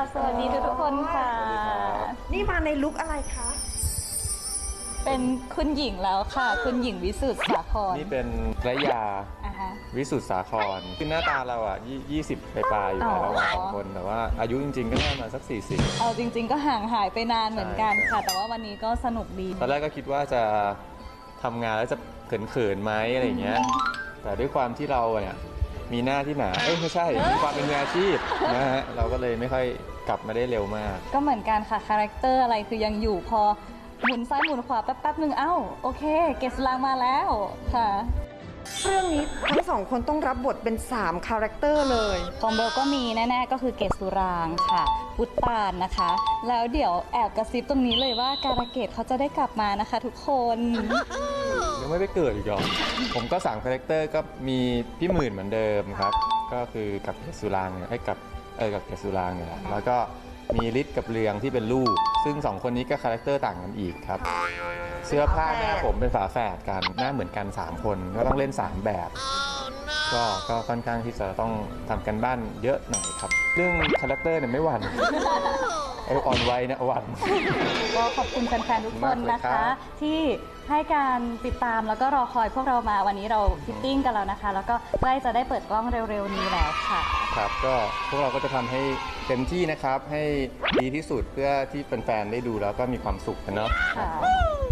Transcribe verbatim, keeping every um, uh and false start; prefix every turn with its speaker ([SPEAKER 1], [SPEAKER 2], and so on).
[SPEAKER 1] สวัสดีทุกคนค่ะ
[SPEAKER 2] นี่มาในลุคอะไรคะ
[SPEAKER 1] เป็นคุณหญิงแล้วค่ะคุณหญิงวิสุทธิ์สาคร
[SPEAKER 3] นี่เป็นระยาวิสุทธิ์สาครคือหน้าตาเราอ่ะยี่สิบปลายๆอยู่แล้วเราสองคนแต่ว่าอายุจริงๆก็น่ามาสักสี่สิบ
[SPEAKER 1] เอาจริงๆก็ห่างหายไปนานเหมือนกันค่ะแต่ว่าวันนี้ก็สนุกดี
[SPEAKER 3] ตอนแรกก็คิดว่าจะทำงานแล้วจะเขินๆไหมอะไรเงี้ยแต่ด้วยความที่เราเนี่ยมีหน้าที่หนาเอ้ยไม่ใช่มีความเป็นมืออาชีพนะฮะเราก็เลยไม่ค่อยกลับมาได้เร็วมาก
[SPEAKER 1] ก็เหมือนกันค่ะคาแรคเตอร์อะไรคือยังอยู่พอหมุนซ้ายหมุนขวาแป๊บๆหนึ่งเอ้าโอเคเกศลางมาแล้วค่ะ
[SPEAKER 2] เรื่องนี้ทั้งสองคนต้องรับบทเป็นสามคาแรคเตอร์เลย
[SPEAKER 1] ของเบลก็มีแน่ๆก็คือเกศสุรางค่ะพุตตานนะคะแล้วเดี๋ยวแอบกระซิบตรงนี้เลยว่าการะเกดเขาจะได้กลับมานะคะทุกคน
[SPEAKER 3] ยังไม่ไปเกิดอีกหรอผมก็สามคาแรคเตอร์ก็มีพี่หมื่นเหมือนเดิมครับก็คือกับเกศสุรางเนี่ยให้กับเออกับเกศสุรางเนี่ยแล้วก็มีฤทธิ์กับเรืองที่เป็นลูกซึ่งสองคนนี้ก็คาแรคเตอร์ต่างกันอีกครับเสื้อผ้าหน้าผมเป็นฝาแฝดกันหน้าเหมือนกันสามคนก็ต้องเล่นสามแบบก็ก็ค่อนข้างที่จะต้องทำกันบ้านเยอะหน่อยครับเรื่องคาแรคเตอร์เนี่ยไม่หวั่นไออ่อนไวนะหวั่น
[SPEAKER 1] ก็ขอบคุณแฟนๆทุกคนนะคะที่ให้การติดตามแล้วก็รอคอยพวกเรามาวันนี้เราฟิตติ้งกันแล้วนะคะแล้วก็ใกล้จะได้เปิดกล้องเร็วๆนี้แล้วค่ะ
[SPEAKER 3] ครับก็พวกเราก็จะทำให้เต็มที่นะครับให้ดีที่สุดเพื่อที่แฟนๆได้ดูแล้วก็มีความสุขกันเนาะ